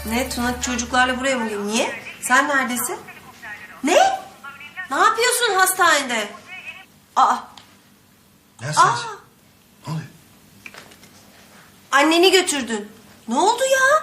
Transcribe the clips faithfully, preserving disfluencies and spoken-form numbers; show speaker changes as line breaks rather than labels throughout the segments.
Ne Tuna çocuklarla buraya mı geliyor? Niye? Sen neredesin? Ne? Ne yapıyorsun hastanede? Aa.
Ne
Aa.
hastanesi? Ne oluyor?
Anneni götürdün. Ne oldu ya?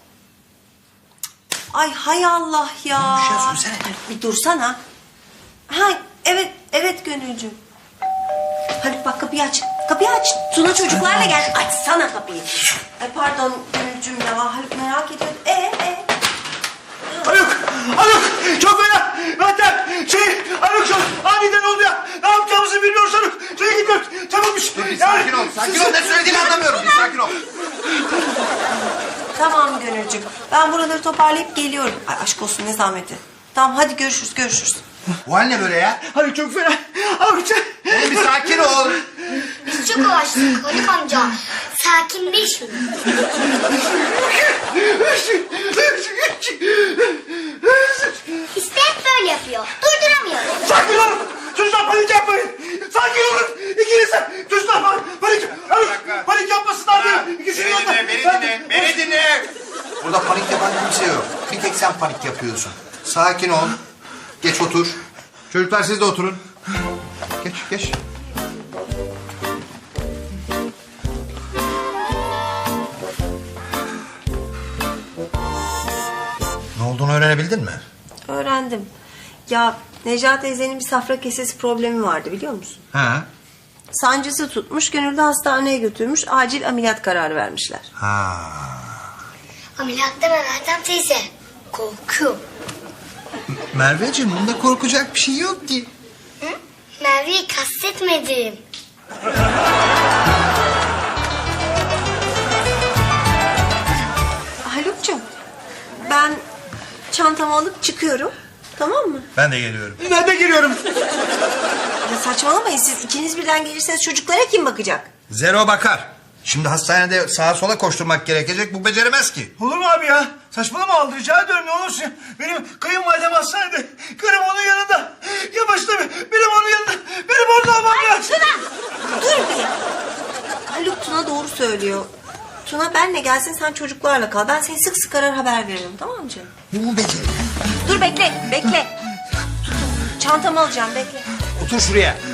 Ay hay Allah ya.
Ne olmuş ya, söylesene.
Ay, bir dursana. Ha evet evet Gönülcüm. Haluk bak kapıyı aç. Kapıyı aç. Tuna çocuklarla gel. Açsana kapıyı. Ay pardon Gönülcüm ya. Haluk merak ediyor. Ee ee.
Haluk! Haluk! Çok fena! Zaten şey Haluk çok aniden oldu ya. Ne yapacağımızı bilmiyoruz Haluk. Şuraya gidiyoruz. Çabukmuş.
Dur bir sakin ol. Sakin ol. Ne söylediğini anlamıyorum. Bir sakin ol.
Tamam Gönülcüm. Ben buraları toparlayıp geliyorum. Ay aşk olsun ne zahmeti. Tamam hadi görüşürüz görüşürüz.
Bu hal ne böyle ya?
Haluk çok fena. Haluk sen...
Oğlum bir sakin ol.
Biz çok uğraştık Haluk amca. Sakinleş mi? İşte hep böyle yapıyor. Durduramıyorum.
Sakin olun. Çocuklar panik yapmayın. Sakin olun. İkiniz de. Çocuklar panik. Panik, Haluk, panik yapmasınlar diye. İkisini
Beni dinle, beni dinle, beni dinle. Burada panik yapan kimse yok. Bir tek sen panik yapıyorsun. Sakin ol. Geç otur. Çocuklar siz de oturun. Geç, geç. Ne olduğunu öğrenebildin mi?
Öğrendim. Ya Necla teyzenin bir safra kesesi problemi vardı biliyor musun?
Ha.
Sancısı tutmuş, Gönül de hastaneye götürmüş, acil ameliyat kararı vermişler.
Ha.
Ameliyat deme Meltem teyze. Korkuyorum.
Merveciğim bunda korkacak bir şey yok ki.
Hı? Merve'yi kastetmedim.
Haluk'cum, ben çantamı alıp çıkıyorum, tamam mı?
Ben de geliyorum.
Ben de geliyorum.
Ya saçmalamayın siz, ikiniz birden gelirseniz çocuklara kim bakacak?
Zero bakar. Şimdi hastanede sağa sola koşturmak gerekecek. Bu beceremez ki.
Olur mu abi ya? Saçmalama al rica ediyorum ne olursun. Benim kayınvalidem hastanede. Karım onun yanında. Yavaş tabii. Benim onun yanında. Benim orada olmam lazım.
Dur bir. Haluk Tuna doğru söylüyor. Tuna benle gelsin sen çocuklarla kal. Ben seni sık sık arar haber veririm tamam mı canım?
Bu beceri.
Dur bekle bekle. Çantamı alacağım bekle.
Otur şuraya.